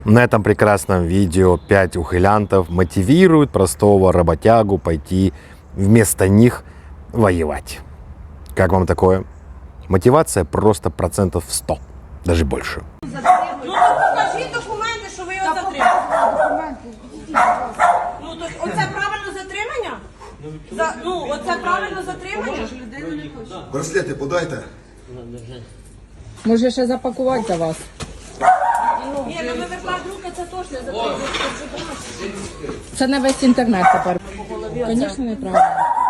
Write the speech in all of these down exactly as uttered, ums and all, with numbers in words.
На этом прекрасном видео пять ухилянтов мотивируют простого работягу пойти вместо них воевать. Как вам такое? Мотивация просто процентов сто, даже больше. Ну то покажіть документи, що ви його затримали. Ну то оце правильно затримання? За, ну оце правильно затримання? Браслети подайте. Може ще запакувати за вас? Ні, ну вивертати руки це точно затримання. Це на весь інтернет тепер. Звісно, неправильно.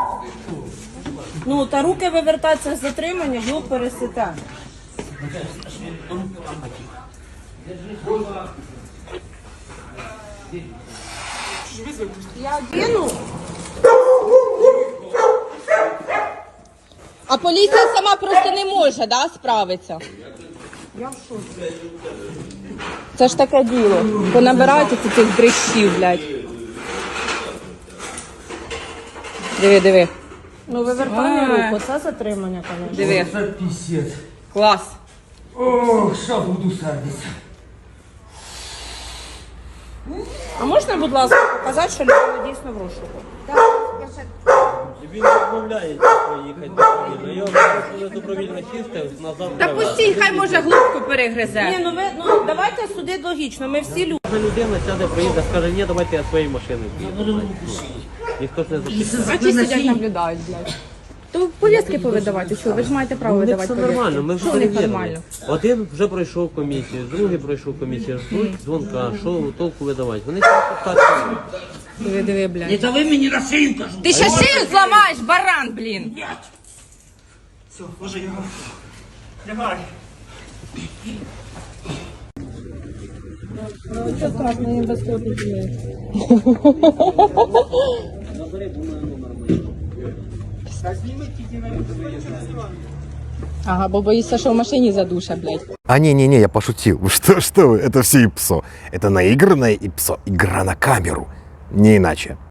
Ну та руки вивертати це затримання, ви пересите. Я одіну. А поліція сама просто не може, да, справитися? Я в шоці. Це ж таке діло. Понабирайте цих дрищів, блядь. Диви, диви. Ну вивертання руку, це затримання, звісно. Диви. Це пісець. Клас. Ох, що буду сердитися. А можна, будь ласка, показати, що людина дійсно в розшуку? Він відмовляється поїхати добровільно. Його вирішили добровільно сісти, назад Та привезти. пустіть, хай може глубку перегризе. Ні, ну ви ну давайте судити логічно. Ми всі люди. Кожна людина сяде, приїде, скаже, ні, давайте я своєю машиною поїду. Ніхто ж не запитає. А чи сидять наблюдають, блядь? То повістки повидавати, що? Ви ж маєте право У них видавати все повістки. нормально, ми вже Що у них перевірили. нормально? Один вже пройшов комісію, другий пройшов комісію, ждуть дзвонка, що толку видавати. Вони тільки підкачують. Диви, диви, блядь. Не дави мені на шию, кажу. Ти ще шию зламаєш, баран, блін. Все, ложи його. Лягай. Ага, бо боїшся, що в машині задуша, блядь. А не-не-не, я пошутил. Вы Что, что вы? Это все ИПСО. Это наигранное ИПСО. Игра на камеру. Не иначе.